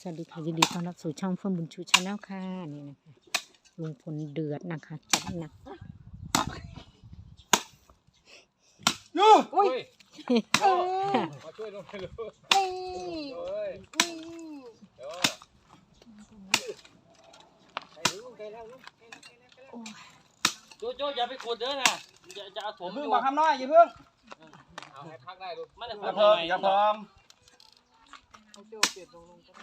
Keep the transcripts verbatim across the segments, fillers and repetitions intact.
วัสดีค่ะยินดีต้อนรับสู่ช่องเฟื่องบุญชูชาแนลค่ะนี่นะคะลุงพลเดือดนะคะจัดหนักยูอุ้ยเออมาช่วยลงไปเลยนี่เฮ้ยนี่เดี๋ยวไปดูไปแล้วลูกโจโจอย่าไปขุดเด้อนะจะจะเอาถมเพิ่อง ยู่บอกคำน้อยอย่าเพิ่งเอาให้พักได้ลูกมันจะอย่าทำเพิ่งไงอย่าเพิ่งเอาโจ้เปลี่ยนลงลงก็ได้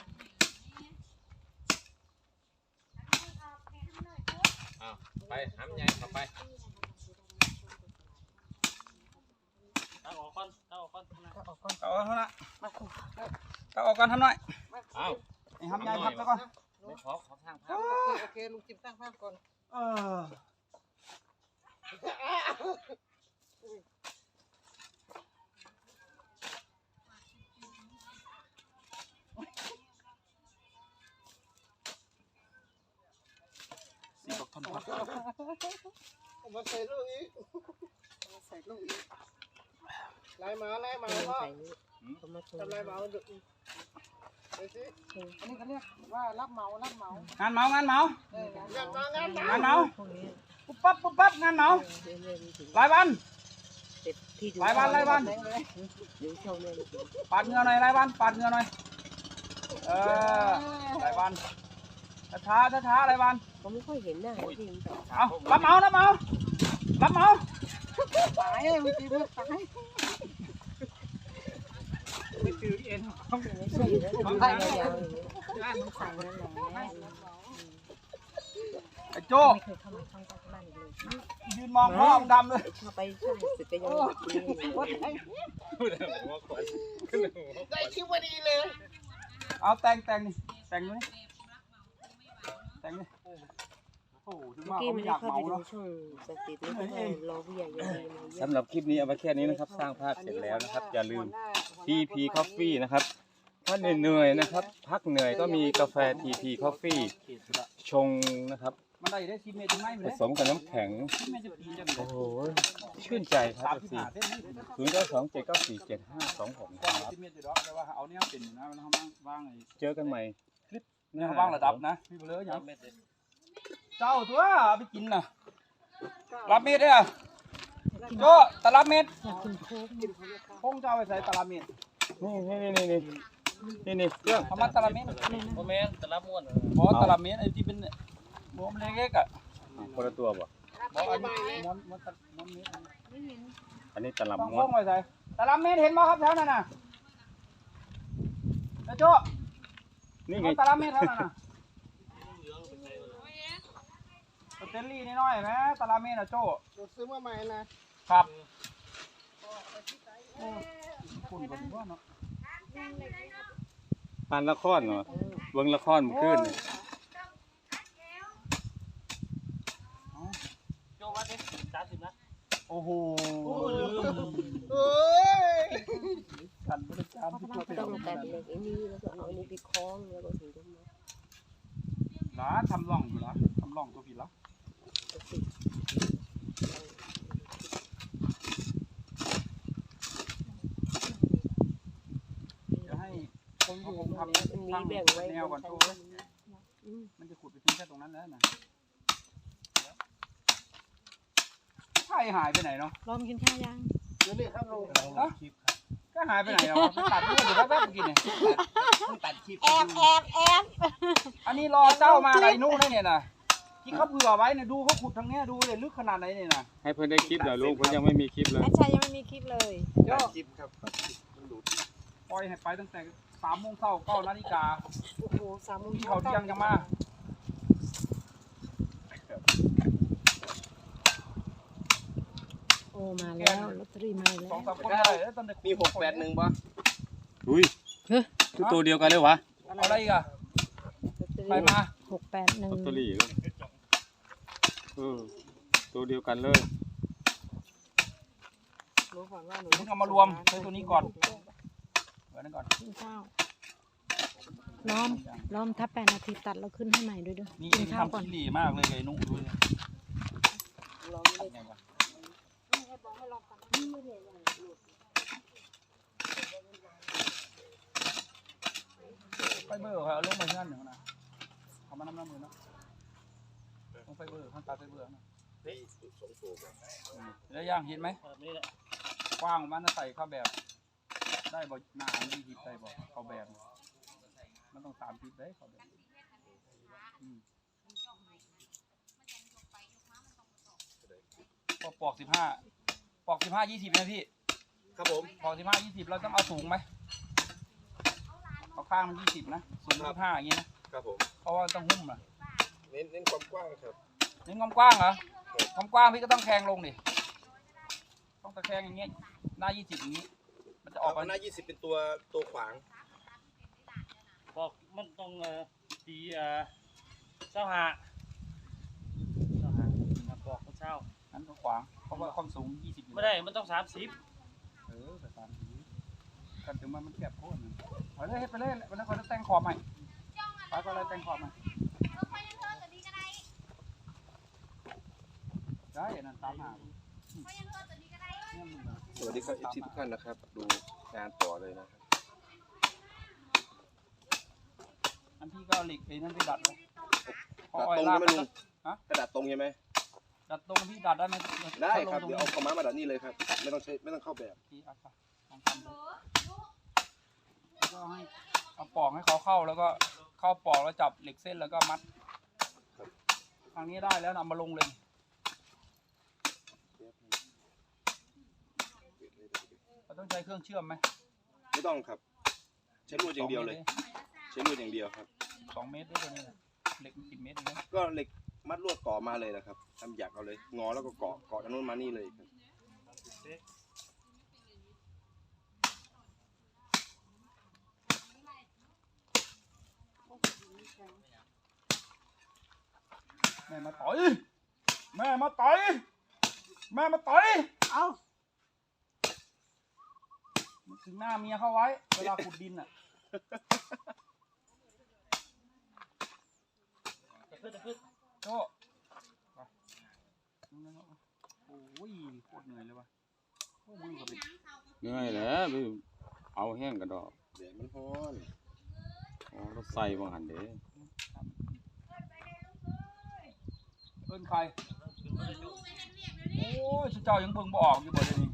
เอาไปหำใหญ่เข้าไปตั้งออกก่อนตั้งออกก่อนเอาออกก่อนเอาเอาเท่านั้นมาคุเอาออกก่อนทำหน่อยเอาไอ้ทำใหญ่พับซะก่อนไม่ขอขอทางภาโอพเคโอเคลุงจิมตั้งภาพก่อนเออสี่ดอกทนพับมาใส่ลูกอีกมาใส่ลูกอีกไล่มาไล่มาพ่อทำไล่มาดูไปสิอันนี้เขาเรียกว่ารับเหมารับเหมางานเมางานเมาเอองานเหมางานเหมางานเมาปุ๊บปั๊บปุ๊บปั๊บงานเมารายวันรายวันรายวันปาดเหงื่อหน่อยรายวันปาดเหงื่อหน่อยเออรายวันช้าช้าช้ารายวันผมไม่ค่อยเห็นหน้าจริงเอารับเมารับเมารับเมาตายเลยลุงจิมตายไม่ตื่นเอ็นไม่ใช่อยู่แล้วดูยาวๆอย่างนี้มันใส่นั่นแหละไอ้โจ้ไม่เคยเข้ามาช่องบ้านเลยยืนมองพ่อมึงดำเลยชอบไปใช่สึกก็ยังได้คิวพอดีเลยเอาแต่งแต่งนี่แต่งดูนี่แต่งนี่โอ้โหถึงว่ากี้เขาไม่ไม่อได้ยากเข้าเมาไปดูเนาะช่องสตินี่ก็รอผู้ใหญ่ยังมีมาเยอะสำหรับคลิปนี้เอาไว้แค่นี้นะครับสร้างภาพเสร็จแล้วนะครับอย่าลืม ที พี Coffee นะครับถ้าเหนื่อยๆนะครับพักเหนื่อยก็มีกาแฟ ที พี Coffee ชงนะครับมันได้ได้สิบเมตรถึงไหมผเลยสมกับน้ำแข็งสิบเมตรจะปีนจะโอ้โหชื่นใจครับสามเอฟสิบซีห้าเส้นนี่ศูนย์เก้าสองเจ็ดเก้าสี่เจ็ดห้าสองหกกว้างครับสิบเมตรอยู่ดอกแต่ว่าเอาเนี่ยเป็นนะแล้วเขาว่างไอ้เจอกันใหม่คลิปหเนี่ยน้าเขาว่างระดับนะพี่เบลออย่างเจ้าตัวเอาไปกินน่ะรับเม็ดเนี่ยโจ้ตลับเม็ดอยากกินโค้กคงจะเอาไปใส่ตลับเม็ดนี่นี่นี่นี่นี่นี่เครื่องเขามาตลับเม็ดโมเมนต์ตะลับม้วนบอตลับเม็ดไอ้ที่เป็นหม้วนเล็กๆอ่ะคนละตัวบ่บออันนี้ม้วนม้วนตะม้วนเม็ดอันนี้ตะลับต้องม้โค้วนงไว้ใส่ตลับเม็ดเห็นบ่ครับแถวนั้นน่ะไอ้โจ้นี่ไงเอาตลับเม็ดแถวนั้นน่ะสเตนลี่นิดหน่อยไหมตลับเม็ดอ่ะโจ้เราซื้อมาใหม่นะครับคุณก็ถือว่าเนาะปานละครเนาะเบิ่งละครเมื่อคืนนี่โจว่าดิสามสิบนะโอ้โหเฮ้ยกันบริการที่ตัวเป็นต้องตัดเหล็กไอ้นี่แล้วก็เอาอันนี้ไปคล้องแล้วก็ถึงจะมาหลาทำร่องอยู่ละทำร่องตัวผิดละเดี๋ยวให้คนที่ผมทำมันมีตั้งแบ่งไว้แนวก่อนชั้โตนมันจะขุดไปทิ้งแค่ตรงนั้นแล้วนะไข่หายไปไหนเนาะลองกินข้าวยังเดี๋ยวนี้ครับลุงฮะก็หายไปไหนแล้ววะตัดเลือดอยู่แป๊บๆเมื่อกี้เนี่ยตัดคลิปแอบแอบแอบอันนี้รอเจ้ามาอะไรนู่นได้เนี่ยนะที่เขาเผื่อไว้เนี่ยดูเขาขุดทางเนี้ยดูเลยลึกขนาดไหนเนี่ยนะให้เพื่อนได้คลิปหน่อยลูกเพื่อนยังไม่มีคลิปเลยแอดชัยยังไม่มีคลิปเลยโย่คลิปครับปล่อยให้ไปตั้งแต่สามโมงเช้าเก้านาฬิกาโอ้โหสามโมงที่เขาเที่ยงจะมาโอ้มาแล้วลอตเตอรี่มาแล้สองวสามคนได้แล้วตอนเด็กมีหกแปดหนึ่งป่ะอุ้ยคือตัวเดียวกันเลยวะเอาอะไรอีกอะไปมาหกแปดหนึ่งลอตเตอรี่เลยเออตัวเดียวกันเลยรู้ก่อนว่าหนูมึงเอามารวมใช้ตัวนี้ก่อนไว้นั่นก่อนกินข้าวล้อมล้อมถ้าแปดนาทีตัดแล้วขึ้นให้ใหม่ด้วยด้วยนี่กิเอน งข้าวก่อนทำขี้หลีมากเลยไอ้นุ่งดูดิลองไม่ได้ไงวะไปฟเบอร์เขาเอาลงมาเงื่อนหนึ่งนะเอามาน้ำน้ำมือนะลงไฟเบอร์ข้างตาไฟเบอร์นะแล้วย่างเห็นไหมกว้างมันจะใส่เข้าแบบได้บ่หน้ามันดีได้บ่เข้าแบบมันต้องสามทิศได้เข้าแบบพอปอกสิบห้าปอกสิบห้ายี่สิบนะพี่ครับผมปอกสิบห้ายี่สิบเราต้องเอาสูงไหมเอาข้างมันยี่สิบนะสูงสิบห้าอย่างงี้นะครับผมเพราะว่าต้องหุ้มอ่ะเน้นเน้นความกว้างครับเน้นความกว้างเหรอความกว้างพี่ก็ต้องแทงลงดิต้องตะแคงอย่างเงี้ยหน้ายี่สิบอย่างงี้มันจะออกมาหน้ายี่สิบเป็นตัวตัวขวางบอกมันต้องเอ่อตีเอ่อเจ้าหาเจ้าหาบอกเขาเช่าอันก็ขวางเพราะว่าความสูงยี่สิบไม่ได้มันต้องสามสิบเออแต่สามสิบกันถึงมันมันแคบโคตรเอาเลยให้ไปเลยวันนั้นเขาจะแต่งขอบใหม่ป้าก็เลยแต่งขอบใหม่ได้นั่นตามหาสวัสดีครับเอฟซีทุกท่านนะครับดูงานต่อเลยนะครับอันที่ก็เหล็กไอ้นั่นไปดัดเลยดัดตรงใช่ไหมลุงกระดาษตรงใช่ไหมดัดตรงพี่ดัดได้ไหมได้ครับเดี๋ยวเอาขม้ามาดัดนี่เลยครับไม่ต้องใช้ไม่ต้องเข้าแบบที่อาคาลองทำดูแล้วก็ให้เอาปอกให้เขาเข้าแล้วก็เข้าปอกแล้วจับเหล็กเส้นแล้วก็มัดทางนี้ได้แล้วนำมาลงเลยเราต้องใช้เครื่องเชื่อมไหมไม่ต้องครับใช้ลวดอย่างเดียวเลยใช้ลวดอย่างเดียวครับสองเมตรได้ตัวนี้เหล็กสิบเมตรเองก็เหล็กมัดลวดก่อมาเลยนะครับทำหยักเอาเลยงอแล้วก็เกาะเกาะจากนู้นมานี่เลยครับแม่มาต่อยแม่มาต่อยแม่มาต่อยเอาถึงหน้าเมียเข้าไว้เวลาขุดดินอ่ะจะขึ้นจะขึ้นโจ้โอ้ยโคตรเหนื่อยเลยวะมือกับเป็นเหนื่อยแล้วไปเอาแห้งกระดอกเดี๋ยวมันฮ้อนอ๋อรถใส่บางหันเด้เอิ้นใครโอ้ยเจ้ายังเบิ่งบ่ออกอยู่บ่เดี๋ยวนี้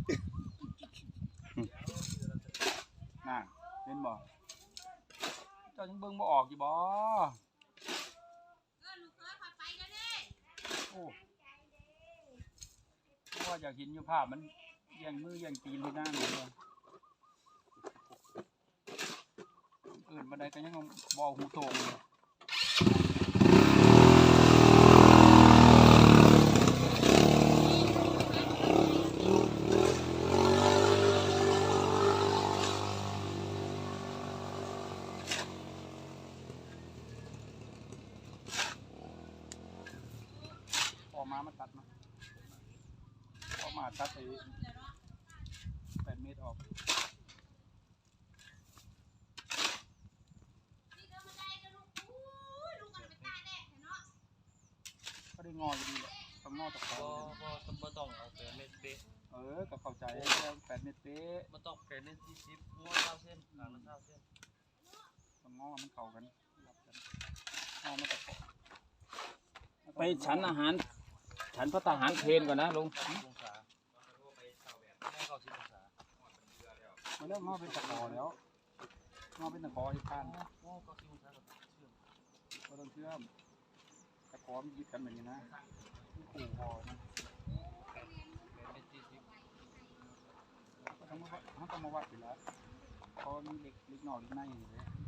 น่ะเห็นบ่เจ้ายังเบิ่งบ่ออกอยู่บ่โอ้เพราะว่าอยากเห็นอยู่ภาพมันแย่งมือแย่งตีนที่หน้าหนูเลยเอื่นมาได้ก็ยังบ่หูโตงเลยออกมามาตัดมาออกมาตัดไปแปดเมตรออกก็ได้งออยู่ดีแหละทำงอตะคอบ่บ่ต้องเอาแปดเมตรเป๊ะเออก็เข้าใจแปดเมตรเป๊ะมันต้องแปดเมตรสี่สิบงอเก้าเส้นหลังละเก้าเส้นต้องงอมันเข้ากันงอมาตะคอไปฉันอาหารฉันพระทหารเพลนก่อนนะลุงมาเริ่มงอเป็นตะคอแล้วงอเป็นตะคอที่ข้างก็ต้องเชื่อมตะคอมันยึดกันแบบนี้นะขู่คอนะเขาต้องมาวัดอยู่แล้วเพราะมีเล็กเล็กหน่อยเล็กในอยู่เลย